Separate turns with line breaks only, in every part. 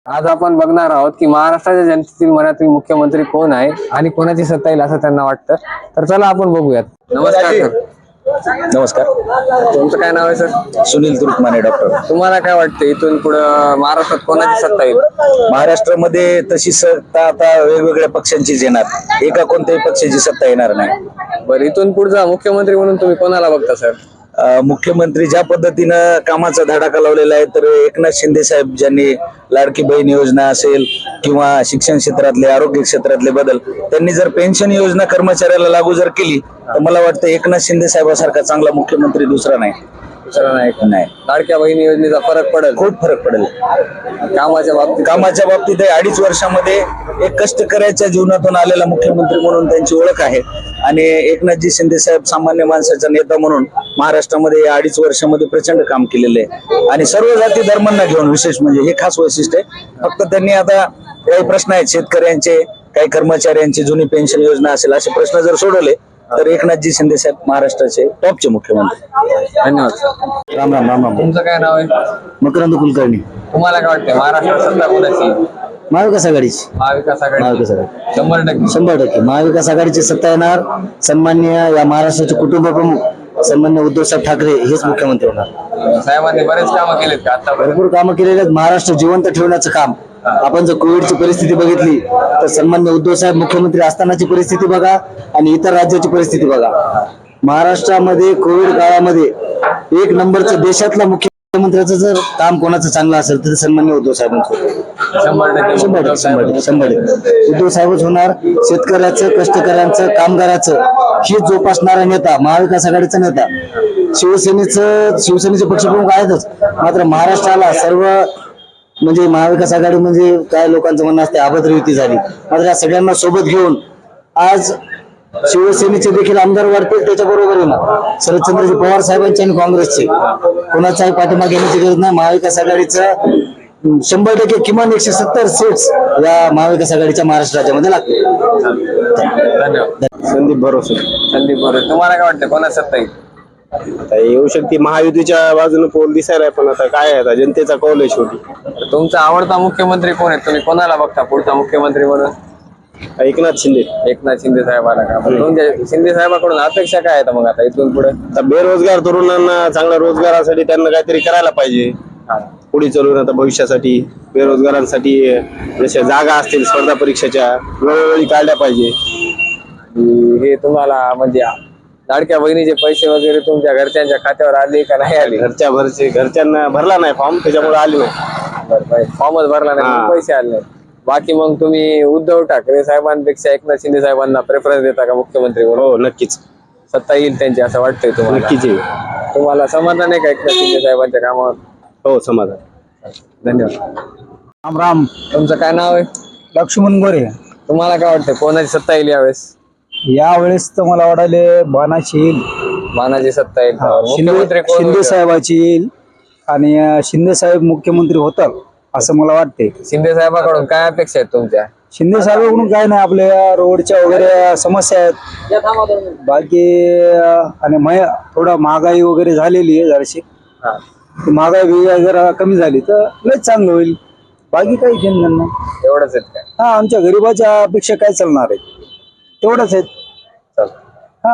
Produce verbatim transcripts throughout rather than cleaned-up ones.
आज आपण बघणार आहोत की महाराष्ट्राच्या जनतेतील मनातील मुख्यमंत्री कोण आहे आणि कोणाची सत्ता येईल असं त्यांना वाटतं. तर चला आपण बघूयात. नमस्कार सर.
नमस्कार.
तुमचं काय नाव आहे सर?
सुनील तुरुकमाने डॉक्टर.
तुम्हाला काय वाटतं इथून पुढं महाराष्ट्रात कोणाची सत्ता येईल?
महाराष्ट्रामध्ये तशी सत्ता आता वेगवेगळ्या पक्षांचीच येणार, एका कोणत्याही पक्षाची सत्ता येणार नाही.
बरं, इथून पुढचा मुख्यमंत्री म्हणून तुम्ही कोणाला बघता सर?
अं, मुख्यमंत्री ज्या पद्धतीनं कामाचा धडाका लावलेला आहे, तर एकनाथ शिंदे साहेब ज्यांनी लाडकी बहीण योजना असेल किंवा शिक्षण क्षेत्रातले, आरोग्य क्षेत्रातले बदल, त्यांनी जर पेन्शन योजना कर्मचाऱ्याला लागू जर केली तर मला वाटतं एकनाथ शिंदे साहेबांसारखा चांगला मुख्यमंत्री दुसरा नाही.
दुसरा नाही का?
नाही.
लाडक्या बहिणी योजनेचा फरक पडेल?
खूप फरक पडेल.
कामाच्या बाबतीत
कामाच्या बाबतीत अडीच वर्षामध्ये एक कष्टकऱ्याच्या जीवनातून आलेला मुख्यमंत्री म्हणून त्यांची ओळख आहे आणि एकनाथजी शिंदे साहेब सामान्य माणसाचा नेता म्हणून महाराष्ट्रामध्ये या अडीच वर्षामध्ये प्रचंड काम केलेले आहे आणि सर्व जाती धर्मांना घेऊन विशेष म्हणजे हे खास वैशिष्ट्य आहे. फक्त त्यांनी आता काही प्रश्न आहेत शेतकऱ्यांचे, काही कर्मचाऱ्यांची जुनी पेन्शन योजना असेल, असे प्रश्न जर सोडवले तर एकनाथजी शिंदे साहेब महाराष्ट्राचे टॉपचे मुख्यमंत्री.
धन्यवाद.
राम राम राम राम.
तुमचं काय नाव आहे?
मकरंद कुलकर्णी.
तुम्हाला काय वाटतं महाराष्ट्रात सत्ता कोणाची येईल?
महाविकास आघाडीची
महाविकास आघाडी.
महाविकास आघाडी
शंभर टक्के
शंभर टक्के महाविकास आघाडीची सत्ता येणार. सन्मान्य या महाराष्ट्राचे कुटुंब प्रमुख सन्मान्य उद्धव साहेब ठाकरे हेच मुख्यमंत्री होणार.
साहेबांनी बरेच कामं केलेत का आता?
भरपूर कामं केलेले आहेत. महाराष्ट्र जिवंत ठेवण्याचं काम. आपण जर कोविडची परिस्थिती बघितली तर सन्मान्य उद्धव साहेब मुख्यमंत्री असतानाची परिस्थिती बघा आणि इतर राज्याची परिस्थिती बघा. महाराष्ट्रामध्ये कोविड काळामध्ये एक नंबरचं देशातला मुख्यमंत्र्याचं जर काम कोणाचं चांगलं असेल तर सन्मान्य उद्धव साहेबांचं.
शंभर टक्के
शंभर टक्के शंभर टक्के शंभर टक्के उद्धव साहेबच होणार. शेतकऱ्याचं, कष्टकऱ्यांचं, कामगाराचं ही जोपासणारा नेता, महाविकास आघाडीचा नेता. शिवसेनेचं शिवसेनेचे पक्षप्रमुख आहेतच, मात्र महाराष्ट्राला सर्व म्हणजे महाविकास आघाडी म्हणजे काय लोकांचं म्हणणं असते अभद्र युती झाली, मात्र या सगळ्यांना सोबत घेऊन आज शिवसेनेचे देखील आमदार वाढतील. त्याच्या बरोबर ना शरदचंद्रजी पवार साहेबांचे आणि काँग्रेसचे कोणाचाही पाठिंबा घेण्याची गरज नाही. महाविकास आघाडीचं शंभर टक्के किमान एकशे सत्तर सीट्स या महाविकास आघाडीच्या महाराष्ट्र राज्यामध्ये लागतील.
धन्यवाद.
संदीप भरोसे.
संदीप बरोबर. तुम्हाला काय वाटतं कोणाची सत्ता येईल?
आता येऊ शकते महायुतीच्या बाजूने पोल दिसायला, पण आता काय आहे, आता जनतेचा कौल आहे शेवटी.
तुमचा आवडता मुख्यमंत्री कोण आहे? तुम्ही कोणाला बघता पुढचा मुख्यमंत्री म्हणून?
एकनाथ शिंदे.
एकनाथ शिंदे साहेबांना का? पण तुमच्या शिंदे साहेबांकडून अपेक्षा काय आहेत मग आता इथून पुढे?
आता बेरोजगार तरुणांना चांगल्या रोजगारासाठी त्यांना काहीतरी करायला पाहिजे. पुढे चालून आता भविष्यासाठी बेरोजगारांसाठी जशा जागा असतील स्पर्धा परीक्षेच्या वेळोवेळी काढल्या पाहिजे.
हे तुम्हाला म्हणजे लाडक्या बहिणीचे पैसे वगैरे तुमच्या घरच्यांच्या खात्यावर आले का नाही आले?
घरच्या भरचे घरच्यांना भरला नाही फॉर्म, त्याच्यामुळे आले नाही.
फॉर्मच भरला नाही,
हा.
पैसे आले नाही. बाकी मग तुम्ही उद्धव ठाकरे साहेबांपेक्षा एकनाथ शिंदे साहेबांना प्रेफरन्स देता का मुख्यमंत्री म्हणून?
हो नक्कीच.
सत्ता येईल त्यांची असं वाटतंय तुम्हाला?
नक्कीच येईल.
तुम्हाला समाधान आहे का एकनाथ शिंदे साहेबांच्या कामावर?
हो समाधान.
धन्यवाद.
राम राम.
तुमचं काय नाव आहे?
लक्ष्मण गोरे.
तुम्हाला काय वाटतं कोणाची सत्ता येईल यावेळेस?
यावेळेस तर मला वाटायले बाणाची येईल,
मानाची सत्ता येईल. मुख्यमंत्री
शिंदे
कोण
शिंदे
होईल?
साहेबाची येईल आणि अं, शिंदे साहेब मुख्यमंत्री होतात असं मला वाटते.
शिंदे साहेबांकडून काय अपेक्षा आहेत तुमच्या?
शिंदे साहेबांकडून काय नाही, आपल्या रोडच्या वगैरे समस्या आहेत बाकी अं, आणि मय थोडं महागाई वगैरे झालेली आहे जराशी.
हा.
महागाई बिगाई जरा कमी झाली तर लयच चांगलं होईल. बाकी काही घेणं नाही.
एवढंच आहेत काय?
हा, आमच्या गरीबाच्या अपेक्षा काय चालणार आहेत तेवढंच आहेत.
चल.
हा.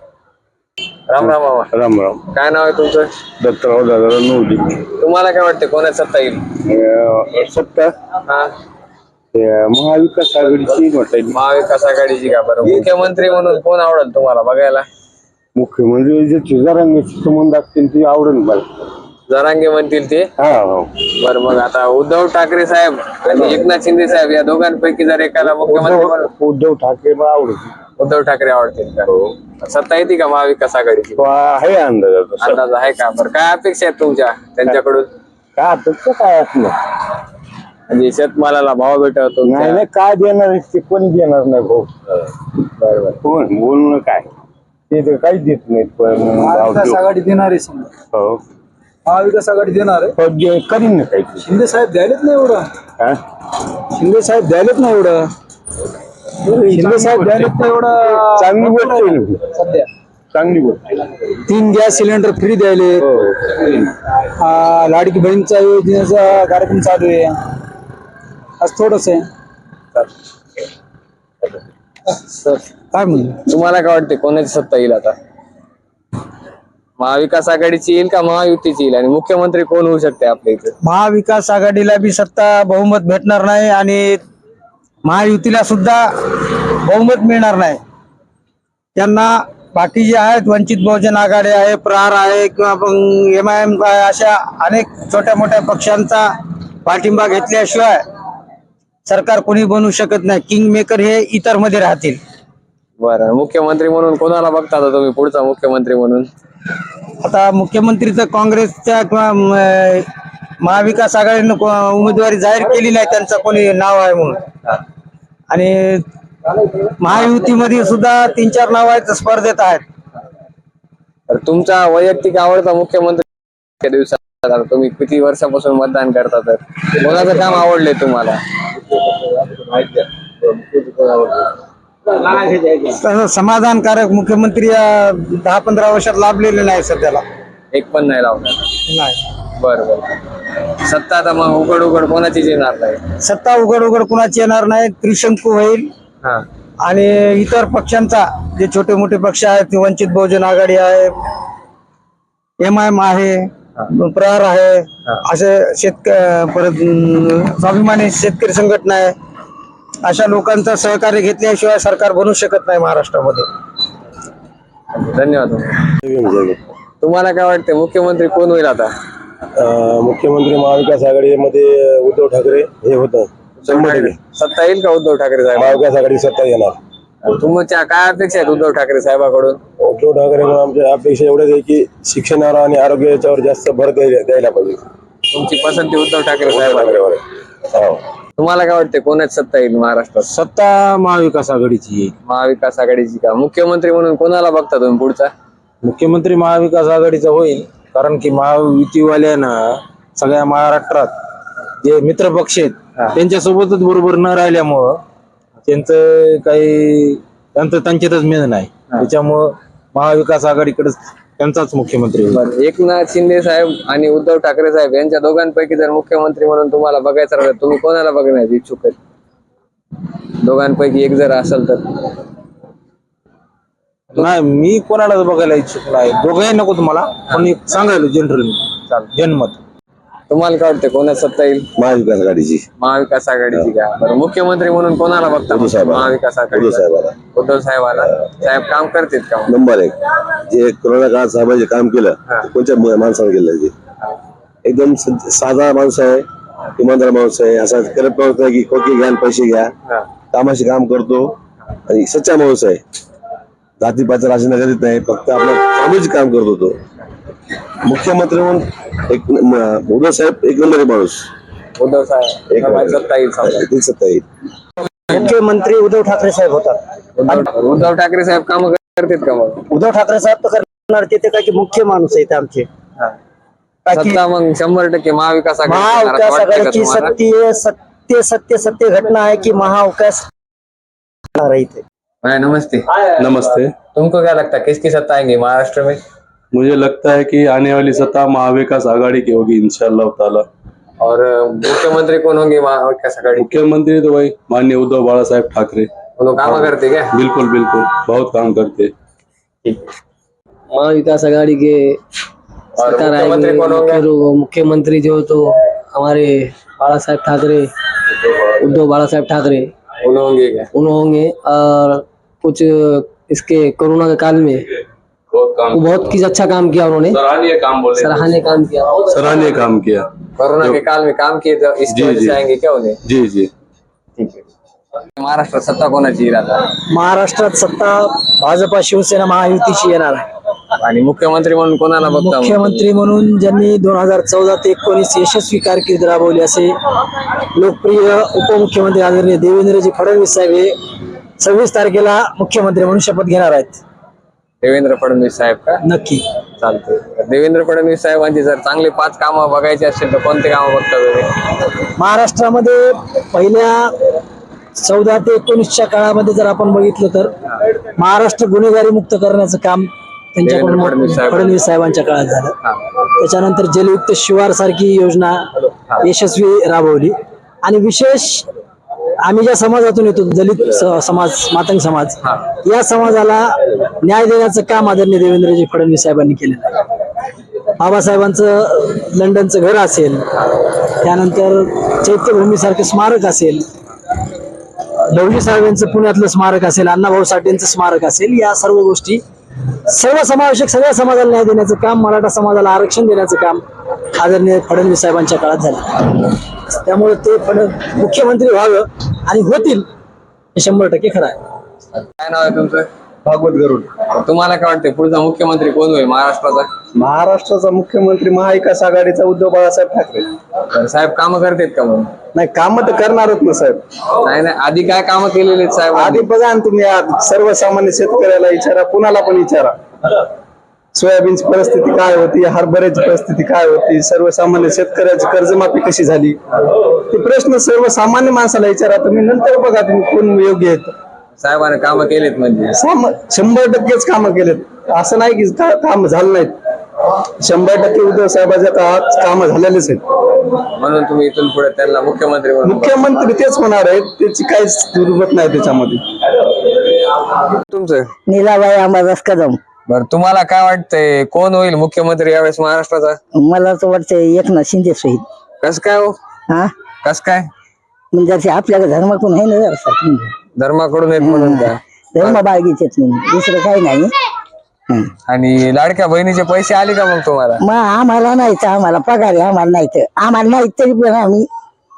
राम राम मामा.
राम राम.
काय नाव आहे तुमचं?
दत्तराव दादा नवली.
तुम्हाला काय वाटतं कोणाची सत्ता येईल?
सत्ता
हा,
महाविकास आघाडीची म्हटलं.
महाविकास आघाडीची का? बरं, मुख्यमंत्री म्हणून कोण आवडेल तुम्हाला बघायला?
मुख्यमंत्री जे तुझारांशी संबंध असतील ते आवडेल मला.
जरांगे म्हणतील ते.
हा हो.
बरं, मग आता उद्धव ठाकरे साहेब आणि एकनाथ शिंदे साहेब या दोघांपैकी जर एकाला मुख्यमंत्री म्हणून
उद्धव ठाकरे मला आवडत
उद्धव ठाकरे आवडतील का? सत्ता येते का महाविकास आघाडीची?
आहे अंदाज.
अंदाज आहे का? बरं, काय अपेक्षा आहेत तुमच्या त्यांच्याकडून?
काय आता काय असलं
म्हणजे शेतमालाला भाव भेटतो?
नाही नाही काय देणार ते कोणी देणार नाही भाऊ.
बरोबर.
कोण बोलणं काय ते तर काहीच देत नाहीत. पण
महाविकास आघाडी देणार आहे समजा.
हो
महाविकास आघाडी देणार आहे.
पण जे करीन ना काही.
शिंदे साहेब द्यायलेत नाही एवढं.
हा?
शिंदे साहेब द्यायलेत नाही एवढं. शिंदे साहेब द्यायलेत नाही एवढं.
चांगली गोष्ट आहे ना.
सध्या
चांगली गोष्ट.
तीन गॅस सिलेंडर फ्री द्यायले.
हो
आ, लाडकी बहीणचा योजनेचा कार्यक्रम चालू आहे. आज थोडस आहे काय म्हणू
तुम्हाला काय वाटते कोणाची सत्ता येईल आता? महाविकास आघाडीची येईल का महायुतीची येईल? आणि मुख्यमंत्री कोण होऊ शकते आपल्या इथे?
महाविकास आघाडीला बी सत्ता बहुमत भेटणार नाही आणि महायुतीला सुद्धा बहुमत मिळणार नाही. त्यांना बाकी जे आहेत वंचित बहुजन आघाडी आहे, प्रहार आहे किंवा एम आय एम अशा अनेक छोट्या मोठ्या पक्षांचा पाठिंबा घेतल्याशिवाय सरकार कोणी बनवू शकत नाही. किंग मेकर हे इतर मध्ये राहतील.
बरं, मुख्यमंत्री म्हणून कोणाला बघता आता तुम्ही पुढचा मुख्यमंत्री म्हणून?
आता मुख्यमंत्री तर काँग्रेसच्या किंवा अं, महाविकास आघाडीनं को- उमेदवारी जाहीर केली नाही, त्यांचं कोणी नाव आहे म्हणून. आणि महायुतीमध्ये सुद्धा तीन चार नाव आहेत स्पर्धेत आहेत.
तर तुमचा वैयक्तिक आवडता मुख्यमंत्री त्या दिवसात आता तुम्ही किती वर्षापासून मतदान करता, तर कोणाचं काम आवडले तुम्हाला?
तसं समाधानकारक मुख्यमंत्री या दहा पंधरा वर्षात लाभलेले नाही सध्याला.
एक पण नाही लावणार.
नाही
बरं बरं. सत्ता आता मग उघड उघड कोणाचीच येणार नाही.
सत्ता उघड उघड कुणाची येणार नाही. त्रिशंकू होईल
हा
आणि इतर पक्षांचा जे छोटे मोठे पक्ष आहेत, वंचित बहुजन आघाडी आहे, एम आय एम आहे, प्रहार आहे, असे शेतक परत अं, स्वाभिमानी शेतकरी संघटना आहे, अशा लोकांचं सहकार्य घेतल्याशिवाय सरकार बनू शकत नाही महाराष्ट्रामध्ये.
धन्यवाद. तुम्हाला काय वाटते मुख्यमंत्री कोण होईल आता?
मुख्यमंत्री महाविकास आघाडीमध्ये उद्धव ठाकरे हे होतं. शंभर टक्के
सत्ता येईल का उद्धव ठाकरे साहेब?
महाविकास आघाडी सत्ता येणार.
तुमच्या काय अपेक्षा आहेत उद्धव ठाकरे साहेबाकडून?
उद्धव ठाकरे आमच्या अपेक्षा एवढ्याच आहे की शिक्षणावर आणि आरोग्य याच्यावर जास्त भर द्यायला द्यायला पाहिजे.
तुमची पसंती उद्धव ठाकरे साहेब?
ठाकरेवर आहे. हो.
तुम्हाला काय वाटते कोणाची सत्ता येईल महाराष्ट्रात?
सत्ता महाविकास आघाडीची येईल.
महाविकास आघाडीची का? मुख्यमंत्री म्हणून कोणाला बघता तुम्ही पुढचा?
मुख्यमंत्री महाविकास आघाडीचा होईल, कारण की महायुतीवाल्यानं सगळ्या महाराष्ट्रात जे मित्र पक्ष आहेत त्यांच्यासोबतच बरोबर न राहिल्यामुळं त्यांचं काही त्यांचं त्यांच्यातच मेन नाही, त्याच्यामुळं महाविकास आघाडीकडेच त्यांचाच मुख्यमंत्री होईल.
बरं, एकनाथ शिंदे साहेब आणि उद्धव ठाकरे साहेब यांच्या दोघांपैकी जर मुख्यमंत्री म्हणून तुम्हाला बघायचं राहिलं, तुम्ही कोणाला बघण्यास इच्छुक आहेत? दोघांपैकी एक जर असेल तर?
नाही, मी कोणाला बघायला इच्छुक नाही. दोघंही नको तुम्हाला, पण एक सांगायला जनरल जनमत.
तुम्हाला काय वाटतं कोणाची सत्ता येईल?
महाविकास आघाडीची.
महाविकास आघाडीची का? बरं, मुख्यमंत्री म्हणून कोणाला बघता?
उद्धव साहेबाला.
महाविकास आघाडी.
उद्धव साहेबाला.
उद्धव साहेबाला. साहेब काम करतील का?
नंबर एक जे कोरोना काळात साहेबांचे काम केलं ते कोणत्या मु- माणसाने केलं ते एकदम स- साधा माणूस आहे, इमानदार माणूस आहे, असा करत माणूस नाही की खोके घ्या आणि पैसे घ्या. कामाशी काम करतो आणि सच्चा माणूस आहे. जाती पाचा राजन करीत नाही, फक्त आपलं सामाजिक काम करत होतो. मुख्यमंत्री म्हणून एक म- उद्धव साहेब एक नंबर माणूस.
उद्धव साहेब
एक
साहेबाची सत्ता येईल समजा.
ती सत्ता येईल.
मुख्यमंत्री उद्धव ठाकरे साहेब होतात.
उद्धव उद्धव ठाकरे साहेब काम करतील का मग?
उद्धव ठाकरे साहेब तर करणार, ते ते काही मुख्य माणूस आहेत आमचे. बाकी
सत्ता मग शंभर टक्के महाविकास आघाडी येणार असं
महाविकास
वाटतंय का
आघाडीची
तुम्हाला?
सत्य सत्य सत्य सत्य घटना है कि महाविकास रही थे.
भाई नमस्ते.
नमस्ते।
तुमको क्या लगता है किसकी सत्ता आएंगी महाराष्ट्र में?
मुझे लगता है कि आने वाली सत्ता महाविकास आघाड़ी की होगी इंशाल्लाह ताला।
और अ, मुख्यमंत्री कौन होंगे महाविकास आघाड़ी?
मुख्यमंत्री तो वही माननीय उद्धव बाला साहेब ठाकरे।
वो लोग काम करते क्या?
बिल्कुल बिल्कुल बहुत काम करते।
महाविकास आघाड़ी के
और
सरकार
मुख्यमंत्री
आएंगे।
कौन होंगे?
फिर वो मुख्यमंत्री जो तो हमारे बाला साहेब ठाकरे, उद्धव बाला साहेब ठाकरे
उन होंगे क्या?
उन्होंने होंगे। और कुछ इसके कोरोना के काल में
बहुत काम
वो बहुत कुछ अच्छा काम किया उन्होंने,
सराहनीय काम बोले
सराहनीय काम किया।
सराहनीय काम किया।
कोरोना के काल में काम किए तो इसकी
जी,
वजह
जी।
से आएंगे क्या उन्हें?
जी जी
ठीक है. महाराष्ट्रात सत्ता कोणाची येईल आता?
महाराष्ट्रात सत्ता भाजपा शिवसेना महायुतीची येणार आहे.
आणि मुख्यमंत्री म्हणून कोणाला बघता?
मुख्यमंत्री म्हणून ज्यांनी दोन हजार चौदा ते एकोणीस यशस्वी कारकीर्द राबवली असे लोकप्रिय उपमुख्यमंत्री आदरणीय देवेंद्रजी फडणवीस साहेब हे सव्वीस तारखेला मुख्यमंत्री म्हणून शपथ घेणार आहेत.
देवेंद्र फडणवीस साहेब का?
नक्की.
चालते. देवेंद्र फडणवीस साहेबांची जर चांगले पाच कामं बघायची असतील तर कोणते कामं बघता तुम्ही?
महाराष्ट्रामध्ये पहिल्या चौदा ते एकोणीसच्या काळामध्ये जर आपण बघितलं तर महाराष्ट्र गुन्हेगारी मुक्त करण्याचं काम त्यांच्याकडून
देवेंद्र फडणवीस साहेब.
फडणवीस साहेबांच्या काळात झालं. त्याच्यानंतर जलयुक्त शिवार सारखी योजना यशस्वी राबवली आणि विशेष आम्ही ज्या समाजातून येतो दलित स- समाज मातंग समाज या समाजाला न्याय देण्याचं काम आदरणीय देवेंद्रजी फडणवीस साहेबांनी केलेलं आहे. बाबासाहेबांचं लंडनचं घर असेल, त्यानंतर चैत्यभूमीसारखं स्मारक असेल, लवली साहेबांचं पुण्यातलं स्मारक असेल, अण्णाभाऊ साठेंचं स्मारक असेल, या सर्व गोष्टी सर्व समावेशक सगळ्या समाजाला न्याय देण्याचं काम, मराठा समाजाला आरक्षण देण्याचं काम आदरणीय फडणवीस साहेबांच्या काळात झालं. त्यामुळे ते फड मुख्यमंत्री व्हावं आणि होतील हे शंभर टक्के खरं आहे.
काय नाव आहे तुमचं?
भागवत गरुड.
तुम्हाला काय वाटतंय पुढचा मुख्यमंत्री कोण होईल महाराष्ट्राचा?
महाराष्ट्राचा मुख्यमंत्री महाविकास आघाडीचा उद्धव बाळासाहेब ठाकरे.
तर साहेब कामं करतात का मग?
नाही, काम तर करणारच ना साहेब.
नाही नाही, आधी काय कामं केलेली आहेत साहेब?
आधी बघा ना तुम्ही, आज सर्वसामान्य शेतकऱ्याला विचारा, कुणाला पण विचारा, सोयाबीनची परिस्थिती काय होती, हरभऱ्याची परिस्थिती काय होती, सर्वसामान्य शेतकऱ्याची कर्जमाफी कशी झाली, ते प्रश्न सर्वसामान्य माणसाला विचारा तुम्ही. नंतर बघा तुम्ही कोण योग्य आहेत.
साहेबांनी कामं केलीत म्हणजे?
साम- शंभर टक्केच कामं केलेत, असं नाही की का- काम झालं नाहीत. शंभर टक्के उद्धव साहेबांच्या काळात कामं झालेलेच आहेत.
म्हणून तुम्ही इथून पुढे त्यांना मुख्यमंत्री म्हणून बघा.
मुख्यमंत्री तेच होणार आहेत, त्याची काहीच दुर्गत नाही त्याच्यामध्ये.
तुमचं?
नीलाबाई अंबादास कदम.
बरं, तुम्हाला काय वाटतंय कोण होईल मुख्यमंत्री यावेळेस महाराष्ट्राचा?
मला तर वाटतंय एकनाथ शिंदे सहित.
कस काय हो?
हा
कस काय?
म्हणजे जसे आपल्याला धर्माकडून आहे ना जरा
धर्माकडून आहेत म्हणून का?
धर्म बाळगीचे म्हणून दुसरं काही नाही. हं.
आणि लाडक्या बहिणीचे पैसे आले का मग तुम्हाला?
मग आम्हाला नाही तर आम्हाला पगार आहे, आम्हाला नाही तर आम्हाला नाही तरी पण आम्ही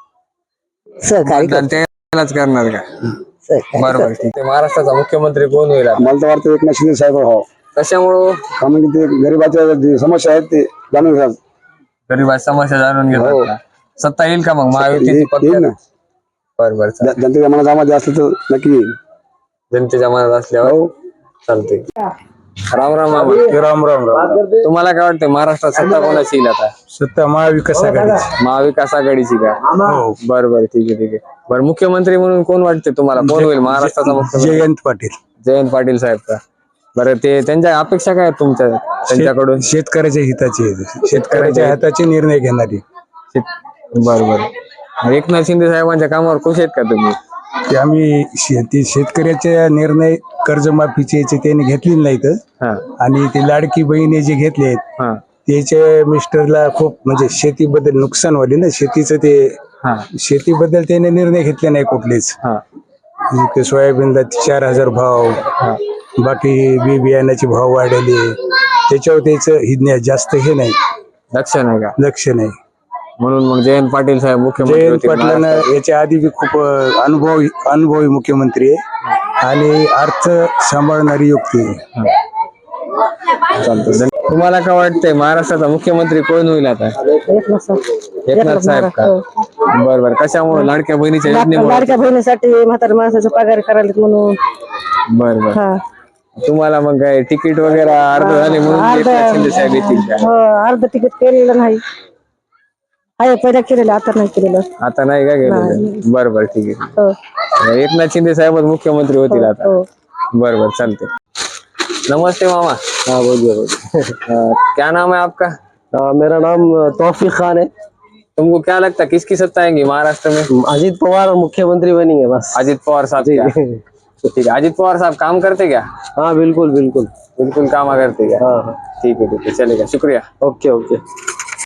सहकार्य
मतदान
करतो.
त्यालाच करणार का?
सहकार्य
बरोबर,
करतो.
ठीक आहे. महाराष्ट्राचा मुख्यमंत्री कोण होईल आता?
मला तर वाटतं एकनाथ शिंदे साहेब हो,
कशामुळं?
कारण की ते गरिबाच्या जे समस्या आहेत ते जाणून घ्या.
गरीबाची समस्या जाणून घेतात का? सत्ता येईल का मग महायुतीची?
येईल ना.
बरं बरं, चालेल.
जनतेच्या मनात असलं तर नक्की येईल.
जनतेच्या मनात असल्यावर चालते. राम राम मामा.
राम राम राम.
तुम्हाला काय वाटतं महाराष्ट्रात सत्ता कोणाची येईल आता?
सत्ता महाविकास आघाडीची.
महाविकास आघाडीची का?
हो.
बरं बरं, ठीक आहे ठीक आहे. बरं, मुख्यमंत्री म्हणून कोण वाटते तुम्हाला? कोण होईल महाराष्ट्राचा मुख्यमंत्री?
जयंत पाटील.
जयंत पाटील साहेब का? बरं, ते त्यांच्या अपेक्षा काय आहेत तुमच्या त्यांच्याकडून?
शेतकऱ्याच्या हिताचे शेतकऱ्याच्या हिताचे निर्णय घेणारी.
बरं बरं. एकनाथ शिंदे साहेबांच्या कामावर खुश आहेत का तुम्ही?
ते आम्ही शेती शेतकऱ्याचे निर्णय कर्जमाफीचे याचे त्यांनी घेतलेले नाहीत.
हा
आणि ते लाडकी बहिणी जे घेतलेत
हा
त्याचे मिस्टरला खूप म्हणजे शेतीबद्दल नुकसान व्हाले ना, शेतीचं ते
हा
शेतीबद्दल त्याने निर्णय घेतले नाही कुठलेच.
हा
ते सोयाबीनला चार हजार भाव, बाकी बी बियाण्याचे भाव वाढले, त्याच्यावर त्याचं हिज्ञा जास्त हे नाही,
लक्ष नाही का?
लक्ष नाही.
म्हणून मग जयंत पाटील साहेब मुख्यमंत्री
जयंत
होतील
पाटलांना
महाराष्ट्रात.
याच्या आधी बी खूप अ, अनुभवी अनुभवी मुख्यमंत्री आहे आणि अर्थ सांभाळणारी युक्ती आहे.
चालतंय. तुम्हाला काय वाटतंय महाराष्ट्राचा मुख्यमंत्री कोण होईल आता?
एकनाथ साहेब.
एकनाथ साहेब का? बरं बरं. कशामुळे? लाडक्या बहिणीच्या योजनेमुळे?
लाडक्या बहिणीसाठी म्हातारा माणसाचा पगार करायला म्हणून.
बरं बरं.
हा
तुम्हाला मग काय तिकीट वगैरे अर्ध झाले म्हणून
अर्ध-
एकनाथ शिंदे साहेब येतील का?
हो, अर्ध तिकीट केलेलं नाही. आहे पहिला केलेलं, आता नाही केलेलं.
आता नाही का गेलेलं? बरं बरं, ठीक आहे.
हो
एकनाथ शिंदे साहेबच मुख्यमंत्री होतील आता.
हो.
बरं बरं, चालते. नमस्ते मामा.
हाँ बोलिए बोलिए।
अ, क्या नाम है आपका?
अ, मेरा नाम तौफीक खान है।
तुमको क्या लगता है किसकी सत्ता आएगी महाराष्ट्र में?
अजीत पवार मुख्यमंत्री बनेंगे बस।
अजित पवार साहब क्या? ठीक है। अजित पवार साहब काम करते क्या?
हाँ बिल्कुल बिल्कुल।
बिल्कुल काम करते क्या?
हाँ हाँ
ठीक है ठीक है, चलेगा, शुक्रिया.
Okay okay.